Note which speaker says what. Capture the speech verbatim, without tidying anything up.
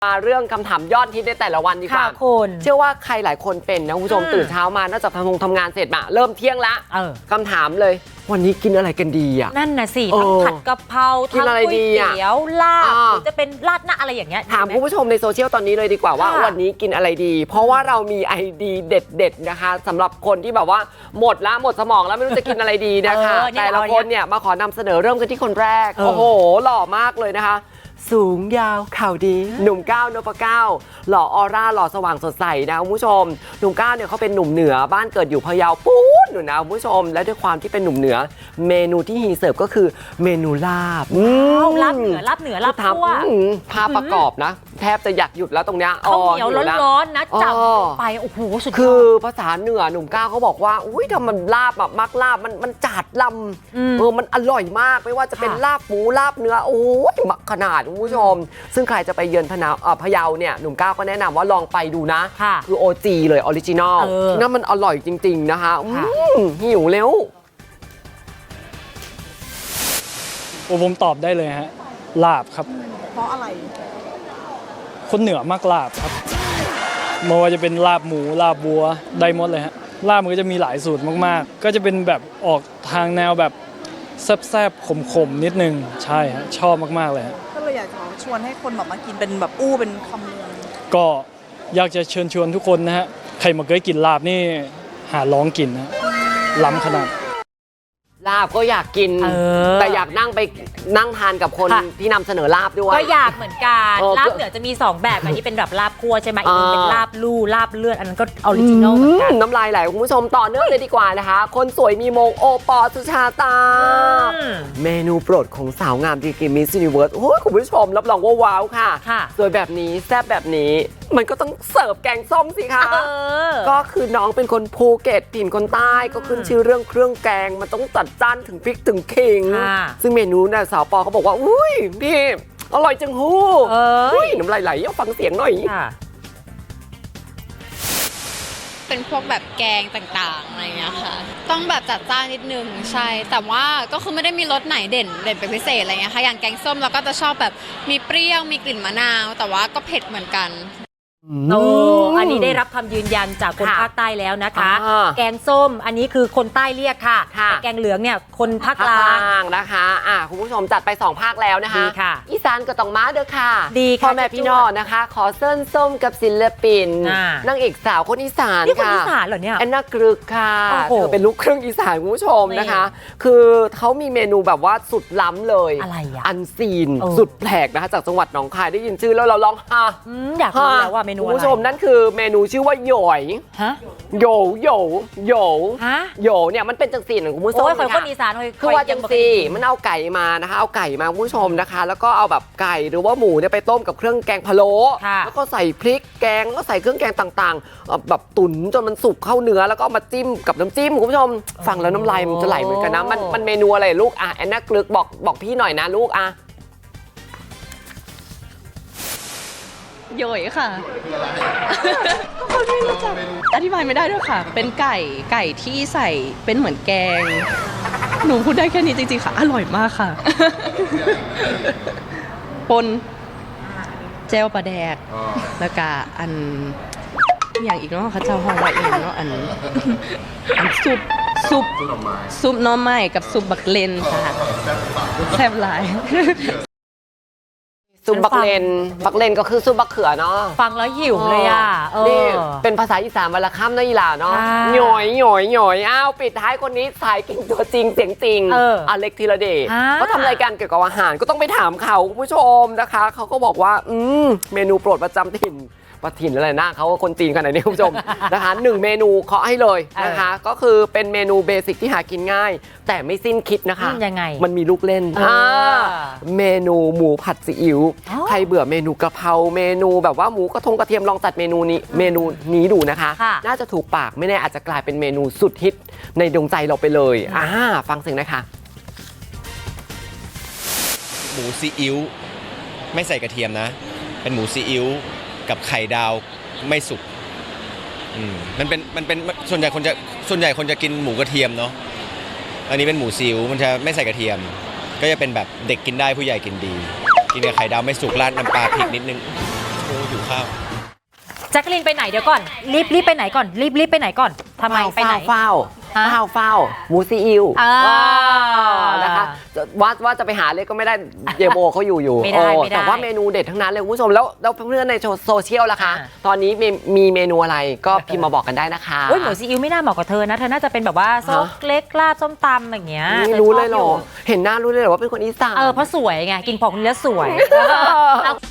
Speaker 1: มาเรื่องคำถามยอดฮิตในแต่ละวันดีกว่า
Speaker 2: คุณ
Speaker 1: เชื่อว่าใครหลายคนเป็นนะคุณผู้ชมตื่นเช้ามานอกจากทำงงทำงานเสร็จมาเริ่มเที่ยงละคำถามเลยวันนี้กินอะไรกันดีอ่ะ
Speaker 2: นั่นน่ะสิทั้งผัดกะเพราทั้งก๋วยเตี๋ยวลาบหรือจะเป็นราดหน้าอะไรอย่างเงี้ย
Speaker 1: ถามคุณผู้ชมในโซเชียลตอนนี้เลยดีกว่าว่าวันนี้กินอะไรดีเพราะว่าเรามีไอเดียเด็ดๆนะคะสำหรับคนที่แบบว่าหมดละหมดสมองแล้วไม่รู้จะกินอะไรดีนะคะแต่ละคนเนี่ยมาขอนำเสนอเริ่มกันที่คนแรกโอ้โหหล่อมากเลยนะคะสูงยาวข่าวดีหนุ่มก้าวนพเก้าหล่อออร่าหล่อสว่างสดใสนะคุณผู้ชมหนุ่มก้าวเนี่ยเขาเป็นหนุ่มเหนือบ้านเกิดอยู่พะเยาปู๊ดหนูนะคุณผู้ชมและด้วยความที่เป็นหนุ่มเหนือเมนูที่ฮีเสิร์ฟก็คือเมนูลาบ
Speaker 2: ลาบเหนือลาบเหนือลาบคั่ว
Speaker 1: ภาพประกอบนะแทบจะอยากหยุดแล้วตรงเนี้ย
Speaker 2: ข้าวเหนียวร้อนๆนะจับไปโอ้โหสุดยอด
Speaker 1: คือภาษาเหนือหนุ่มก้าวเขาบอกว่าอุ้ยทำมันลาบแบบมักลาบมันมันจัดลำเออมันอร่อยมากไม่ว่าจะเป็นลาบหมูลาบเนื้อโอ้ยมักขนาดคุณผู้ชมซึ่งใครจะไปเยือนพะเยาพะเยาเนี่ยหนุ่มก้าวก็แนะนำว่าลองไปดูนะคือ โอ จี เลยออริจินอลนั่นมันอร่อยจริงๆนะคะหิวเร็ว
Speaker 3: โอ้ผมตอบได้เลยฮะลาบครับ
Speaker 4: เพราะอะไร
Speaker 3: คนเหนือมากลาบครับไม่ว่าจะเป็นลาบหมูลาบวัวได้หมดเลยฮะลาบมันก็จะมีหลายสูตรมากๆก็จะเป็นแบบออกทางแนวแบบแซ่บๆขมๆนิดนึงใช่ฮะชอบมากๆเลยฮะ
Speaker 4: ก็เลยอยากจะชวนให้คนแบบมากินเป็นแบบอู้เป็นคำเมือง
Speaker 3: ก็อยากจะเชิญชวนทุกคนนะฮะใครมาเคยกินลาบนี่หาลองกินนะล้ำขนาด
Speaker 1: ลาบก็อยากกินแต่อยากนั่งไปนั่งทานกับคนที่นำเสนอลาบด้วย
Speaker 2: ก็อยากเหมือนกันลาบเหนือจะมีสองแบบอันนี้เป็นแบบลาบคั่วใช่ไหมอีกนึงเป็นลาบลู่ลาบเลือดอันนั้นก็ออริจินอลเหมือนกัน
Speaker 1: น้ำลายไหลคุณผู้ชมต่อเนื่องเลยดีกว่านะคะคนสวยมีมงโอปอสุชาตาเมนูโปรดของสาวงามดีกรีมิสยูนิเวิร์สโอ้ยคุณผู้ชมรับรองว่าว้าวค่ะสวยแบบนี้แซ่บแบบนี้มันก็ต้องเสิร์ฟแกงส้มสิคะก็คือน้องเป็นคนภูเก็ตถิ่นคนใต้ก็ขึ้นชื่อเรื่องเครื่องแกงมันต้องจัดจ้านถึงพริกถึงขิงซึ่งเมนูน่ะสาวปอเขาบอกว่าอุ้ยพี่อร่อยจังฮู้อุ้ยน้ำลายไหลเอาฟังเสียงหน่อย
Speaker 5: เป็นพวกแบบแกงต่างๆอะไรเงี้ยค่ะต้องแบบจัดจ้านนิดนึงใช่แต่ว่าก็คือไม่ได้มีรสไหนเด่นเด่นเป็นพิเศษอะไรเงี้ยค่ะอย่างแกงส้มเราก็จะชอบแบบมีเปรี้ยวมีกลิ่นมะนาวแต่ว่าก็เผ็ดเหมือนกัน
Speaker 2: โอ้อันนี้ได้รับคำยืนยันจากคนภาคใต้แล้วนะคะแกงส้มอันนี้คือคนใต้เรียกค่ะแต่แกงเหลืองเนี่ยคนภาคกลาง
Speaker 1: นะคะอ่ะคุณผู้ชมจัดไปสองภาคแล้วนะคะอีสานก็ต้องมาเด้อค่ะ
Speaker 2: ดีค่ะ
Speaker 1: พ่อแม่พี่น้องนะคะขอเส้นส้มกับศิลปินนางเอกสาวคนอีสาน
Speaker 2: นี่คนอีสานเหรอเนี่ย
Speaker 1: แอนนากรึกค่ะเธอเป็นลูกครึ่งอีสานคุณผู้ชมนะคะคือเขามีเมนูแบบว่าสุดล้ำเลย
Speaker 2: อะไรอ่ะ
Speaker 1: อันซีนสุดแปลกนะคะจากจังหวัดหนองคายได้ยินชื่อแล้วเราร้องฮ่า
Speaker 2: อยากรู้แล้วว่าเมนูอะไร
Speaker 1: คุณผู้ชมนั่นคือเมนูชื่อว่าหยอย
Speaker 2: ฮะ
Speaker 1: โยโยโย
Speaker 2: ฮะ
Speaker 1: โยเนี่ยมันเป็นจังสีของคุณผู้ชม
Speaker 2: ค่ะคนอีสาน
Speaker 1: คือว่าจังสีมันเอาไก่มานะคะเอาไก่มาคุณผู้ชมนะคะแล้วก็เอาแบบไก่หรือว่าหมูเนี่ยไปต้มกับเครื่องแกงพะโล้แล้วก็ใส่พริกแกงก็ใส่เครื่องแกงต่างๆแบบตุ๋นจนมันสุกเข้าเนื้อแล้วก็มาจิ้มกับน้ำจิ้มคุณผู้ชมฟังแล้วน้ำลายมันจะไหลเหมือนกันนะมันมันเมนูอะไรลูกอ่ะแอนนากลึกบอกบอกพี่หน่อยนะลูกอ่ะ
Speaker 6: โยยค่ะคนไม่รู้จักอธิบายไม่ได้ด้วยค่ะเป็นไก่ไก่ที่ใส่เป็นเหมือนแกงหนูพูดได้แค่นี้จริงๆค่ะอร่อยมากค่ะปนเจลปลาแดกแล้วก็อันอย่างอีกเนาะเขาเจ้าห้องไว้เองเนาะอันอันซุปซุปซุปน้อไม้กับซุปบักเลนค่ะแซ่บหลาย
Speaker 1: ซุปบักเลนบักเลนก็คือซุปบักเขือเนาะ
Speaker 2: ฟังแล้วหิวเลยอ่ะ
Speaker 1: นี่เป็นภาษาอีสานวันละค่ำนะอีหล่าเนาะหน่อยหน่อยหน่อยอ้าวปิดท้ายคนนี้สายกินตัวจริงเสียงจริงอเล็กธีรเดชเขาทำรายการเกี่ยวกับอาหารก็ต้องไปถามเขาคุณผู้ชมนะคะเขาก็บอกว่าอืมเมนูโปรดประจำถิ่นประถิ่นอะไรนะเขาคนจีนขนาดนี้คุณผู้ชมนะคะหนึ่งเมนูเคาะให้เลยนะคะก็คือเป็นเมนูเบสิกที่หากินง่ายแต่ไม่สิ้นคิดนะคะ
Speaker 2: ยังไง
Speaker 1: มันมีลูกเล่นเมนูหมูผัดซีอิ๊วใครเบื่อเมนูกะเพราเมนูแบบว่าหมูกระทงกระเทียมลองจัดเมนูนี้เมนูนี้ดูนะคะน่าจะถูกปากไม่แน่อาจจะกลายเป็นเมนูสุดฮิตในดวงใจเราไปเลยอ่าฟังเสียงนะคะ
Speaker 7: หมูซีอิ๊วไม่ใส่กระเทียมนะเป็นหมูซีอิ๊วกับไข่ดาวไม่สุกอืมมันเป็นมันเป็นส่วนใหญ่คนจะส่วนใหญ่คนจะกินหมูกระเทียมเนาะอันนี้เป็นหมูซีอิ๊วมันจะไม่ใส่กระเทียมก็จะเป็นแบบเด็กกินได้ผู้ใหญ่กินดีกินกับไข่ดาวไม่สุกราดน้ำปลาพริกนิดนึงอ้หิวข้าว
Speaker 2: แจ็คกะลินไปไหนเดี๋ยวก่อน รีบรีบไปไหนก่อน รีบรีบไปไหนก่อนทำไมไปไหน
Speaker 1: เฝ้า
Speaker 2: ฮะ
Speaker 1: เฝ้าเฝ้าหมูซีอิ๊ว
Speaker 2: อ่า
Speaker 1: นะคะว่าว่าจะไปหาเลยก็ไม่ได้เยโบเขาอยู่อยู่
Speaker 2: ไม่ได้
Speaker 1: โอ้
Speaker 2: ไม่ได้
Speaker 1: แต่ว่าเมนูเด็ดทั้งนั้นเลยคุณผู้ชมแล้วแล้วเพื่อนๆในโซเชียลล่ะคะ
Speaker 2: อ่า
Speaker 1: ตอนนี้มีมีเมนูอะไรก็พิมพ์มาบอกกันได้นะคะ
Speaker 2: โอ้ยหมูซีอิ๊วไม่น่าเหมาะกับเธอนะ เธอน่าจะเป็นแบบว่าซกเล็กลาบส้มตำอย่างเงี้ย
Speaker 1: ไม่รู้เลยเหรอ เห็นหน้ารู้เลยเหรอว่าเป็นคนอีสาน
Speaker 2: เออเพราะสวยไง กินของคนนี้แล้วสวย